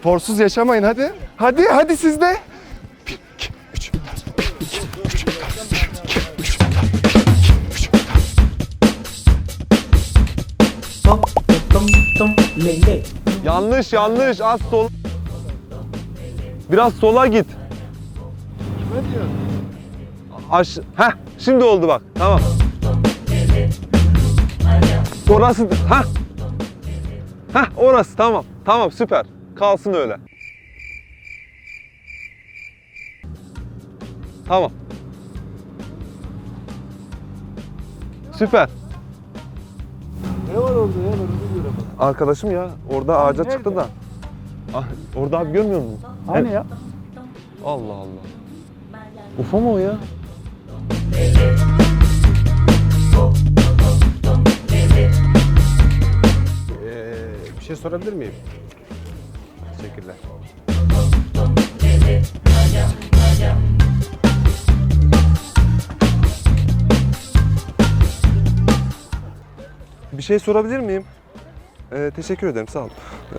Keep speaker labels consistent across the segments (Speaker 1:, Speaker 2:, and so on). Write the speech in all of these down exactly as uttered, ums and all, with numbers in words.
Speaker 1: Sporsuz yaşamayın hadi. Hadi hadi siz de. bir, iki, üç. bir, iki, üç. bir, iki, üç. Yanlış yanlış az sol. Biraz sola git.
Speaker 2: Ne diyorsun?
Speaker 1: Aş Heh, şimdi oldu bak. Tamam. Orası. Heh. Heh, orası tamam. Tamam süper. Kalsın öyle. Tamam. Süper.
Speaker 2: Ne var orada ya? Ben onu göremedim.
Speaker 1: Arkadaşım ya orada ağaca
Speaker 2: nerede?
Speaker 1: çıktı da. Ah, orada abi görmüyor musun?
Speaker 2: Hani ya?
Speaker 1: Allah Allah. Ufa mı o ya?
Speaker 2: Ee, bir şey sorabilir miyim? Teşekkürler.
Speaker 1: Bir şey sorabilir miyim? Ee, teşekkür ederim sağ ol. Ee,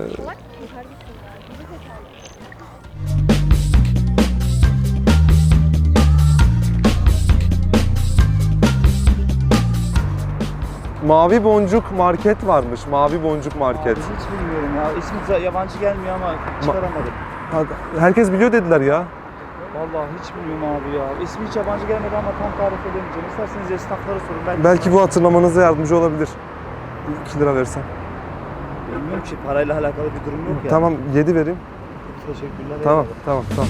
Speaker 1: Mavi Boncuk Market varmış. Mavi Boncuk Market.
Speaker 3: Abi hiç bilmiyorum ya. İsmi yabancı gelmiyor ama çıkaramadım.
Speaker 1: Ha, herkes biliyor dediler ya.
Speaker 3: Vallahi hiç bilmiyorum abi ya. İsmi hiç yabancı gelmedi ama tam tarif edemeyeceğim. İsterseniz esnaflara sorun. Ben
Speaker 1: Belki bu hatırlamanıza yardımcı olabilir. iki lira versem.
Speaker 3: bilmiyorum ki parayla alakalı bir durum yok ya.
Speaker 1: Tamam yedi vereyim.
Speaker 3: Teşekkürler.
Speaker 1: Tamam
Speaker 3: eyvallah.
Speaker 1: tamam tamam.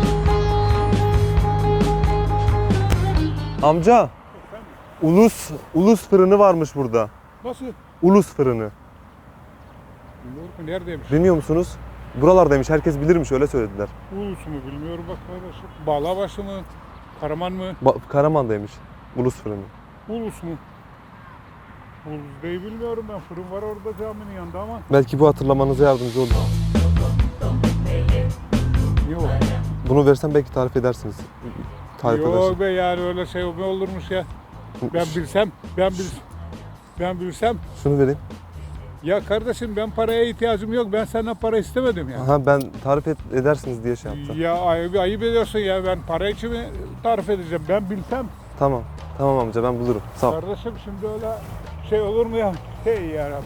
Speaker 1: Amca. Ulus Ulus fırını varmış burada.
Speaker 4: Nasıl?
Speaker 1: Ulus fırını.
Speaker 4: Bilmiyorum ki neredeymiş?
Speaker 1: Bilmiyor musunuz? Buralardaymış. Herkes bilirmiş öyle söylediler.
Speaker 4: Ulus mu bilmiyorum bak kardeşim. Bağlabaşı mı? Karaman mı?
Speaker 1: Ba- Karaman'daymış. Ulus fırını.
Speaker 4: Ulus mu? Ulus değil bilmiyorum ben. Fırın var orada caminin yanında ama.
Speaker 1: Belki bu hatırlamanıza yardımcı olur.
Speaker 4: Yok.
Speaker 1: Bunu versem belki tarif edersiniz. Tarif edersiniz.
Speaker 4: Yok be yani öyle şey mi olurmuş ya? Ben bilsem, ben bil, ben bilsem.
Speaker 1: Şunu vereyim.
Speaker 4: Ya kardeşim ben paraya ihtiyacım yok. Ben senden para istemedim ya.
Speaker 1: Aha ben tarif et, edersiniz diye şey yaptım.
Speaker 4: Ya ayıp, ayıp ediyorsun ya. Ben para için mi tarif edeceğim? Ben bilsem.
Speaker 1: Tamam. Tamam amca ben bulurum. Sağ ol.
Speaker 4: Kardeşim şimdi öyle şey olur mu ya? Hey yarabbim.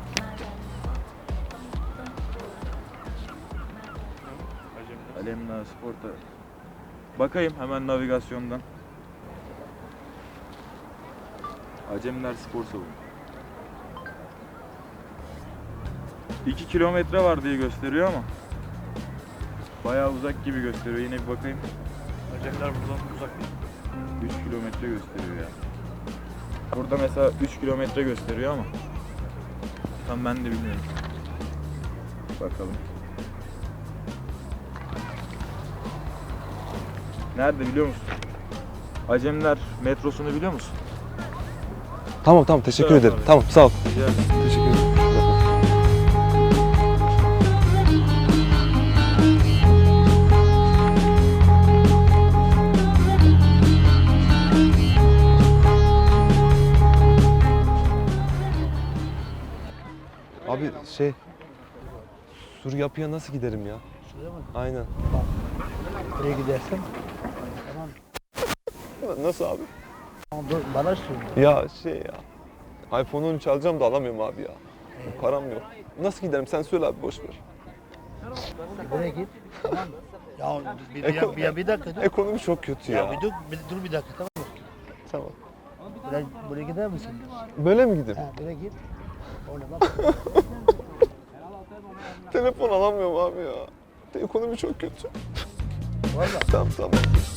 Speaker 5: Alemdağ Spor'ta. Bakayım hemen navigasyondan. Acemler Spor Salonu. iki kilometre var diye gösteriyor ama bayağı uzak gibi gösteriyor. Yine bir bakayım. Acemler buradan uzak değil. üç kilometre gösteriyor ya. Burada mesela üç kilometre gösteriyor ama tam ben de bilmiyorum. Bakalım. Nerede biliyor musun? Acemler metrosunu biliyor musun?
Speaker 1: Tamam tamam teşekkür
Speaker 5: Evet,
Speaker 1: ederim.
Speaker 5: abi.
Speaker 1: Tamam sağ ol.
Speaker 5: Rica ederim.
Speaker 1: Teşekkür ederim. Abi şey Sur yapıya nasıl giderim ya?
Speaker 3: Şuraya mı?
Speaker 1: Aynen.
Speaker 3: Buraya gidersen.
Speaker 1: Nasıl abi?
Speaker 3: Dur bana sor.
Speaker 1: Ya şey ya. iPhone on üç alacağım da alamıyorum abi ya. Param yok. Nasıl giderim sen söyle abi boş ver.
Speaker 3: Buraya git. Tamam mı? Ya bir, bir, bir, bir, bir dakika dur.
Speaker 1: Ekonomi çok kötü ya.
Speaker 3: Ya bir dur, bir, dur bir dakika tamam mı?
Speaker 1: Tamam.
Speaker 3: Buraya, buraya gider misin?
Speaker 1: Böyle mi gideyim?
Speaker 3: Ha buraya git. Orada bak.
Speaker 1: Telefon alamıyorum abi ya. Ekonomi çok kötü.
Speaker 3: Valla.
Speaker 1: Tamam tamam.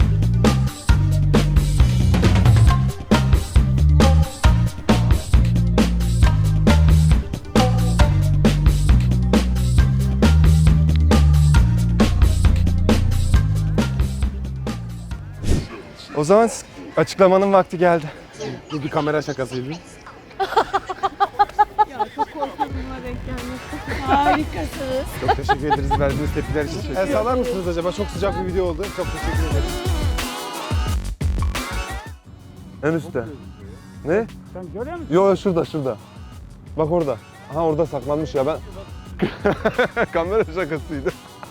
Speaker 1: O zaman açıklamanın vakti geldi.
Speaker 2: Bu bir kamera şakasıydı.
Speaker 6: Ya çok korkuyorum buna denk gelmesi. Harikasınız.
Speaker 2: Çok teşekkür ederiz verdiğiniz tepkiler için. El sallar mısınız acaba? Çok sıcak bir video oldu. Çok teşekkür ederim.
Speaker 1: En üstte. Ne?
Speaker 4: Sen görüyor musun?
Speaker 1: Yo şurada şurada. Bak orada. Ha orada saklanmış ya ben. Kamera şakasıydı.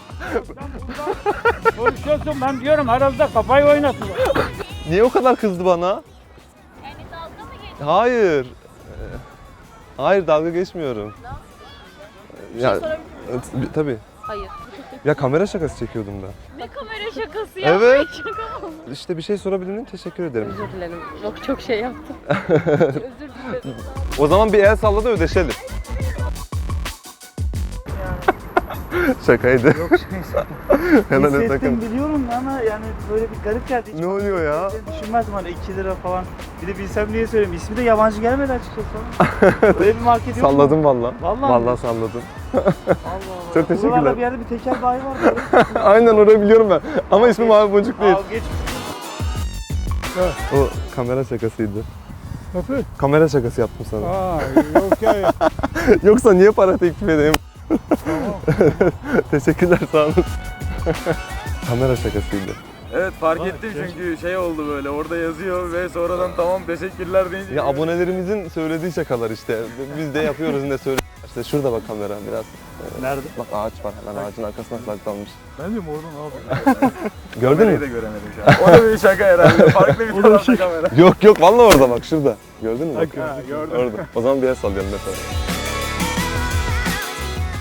Speaker 3: Konuşuyorsun ben diyorum herhalde kafayı oynatıyor.
Speaker 1: Niye o kadar kızdı bana?
Speaker 6: Yani dalga mı geçiyor?
Speaker 1: Hayır. Ee, Hayır dalga geçmiyorum. Ya,
Speaker 6: sorabilir
Speaker 1: e, tabii.
Speaker 6: Hayır.
Speaker 1: Ya kamera şakası çekiyordum da.
Speaker 6: Ne kamera şakası ya?
Speaker 1: Evet.
Speaker 6: Şaka mı?
Speaker 1: İşte bir şey sorabilir miyim? Teşekkür ederim.
Speaker 6: Özür dilerim. Yok çok şey yaptım. Özür dilerim.
Speaker 1: O zaman bir el salla da ödeşelim. Şakaydı.
Speaker 3: Yok şey
Speaker 1: Hemen
Speaker 3: Hissettim
Speaker 1: takım.
Speaker 3: biliyorum ama yani böyle bir garip geldi. Hiç
Speaker 1: Ne oluyor ya?
Speaker 3: düşünmezdim hani iki lira falan. Bir de bilsem niye söyleyeyim. İsmi de yabancı gelmedi açıkçası. Böyle bir market yok mu?
Speaker 1: Salladım valla.
Speaker 3: Vallahi
Speaker 1: Valla
Speaker 3: mi?
Speaker 1: salladım.
Speaker 3: Allah Allah.
Speaker 1: Çok teşekkürler.
Speaker 3: Buralarda bir yerde bir tekel bayi var böyle.
Speaker 1: Aynen orayı biliyorum ben. Ama ismi Mavi Boncuk değil.
Speaker 3: Al geç.
Speaker 1: O kamera şakasıydı.
Speaker 4: Nasıl?
Speaker 1: Kamera şakası yaptım sana.
Speaker 4: Aa yok ya.
Speaker 1: Yoksa niye para teklif edeyim?
Speaker 4: Tamam.
Speaker 1: Teşekkürler sağ olun. Kamera şakasıydı.
Speaker 5: Evet fark ettim çünkü şey oldu böyle orada yazıyor ve sonradan tamam teşekkürler deyince.
Speaker 1: Ya abonelerimizin söylediği şakalar işte. Biz de yapıyoruz ne söyle. İşte şurada bak kamera biraz.
Speaker 3: Nerede?
Speaker 1: Bak ağaç var hemen ağacın arkasına saklanmış.
Speaker 4: Ben diyorum oradan abi.
Speaker 1: Gördün
Speaker 5: Kamerayı
Speaker 1: mü?
Speaker 5: da göremedim şu an. O da bir şaka herhalde. Farklı bir tarafta kamera.
Speaker 1: Yok yok vallahi orada bak şurada. Gördün mü? Bak,
Speaker 4: Ha, gördüm.
Speaker 1: Orada. O zaman bir el sallayalım mesela.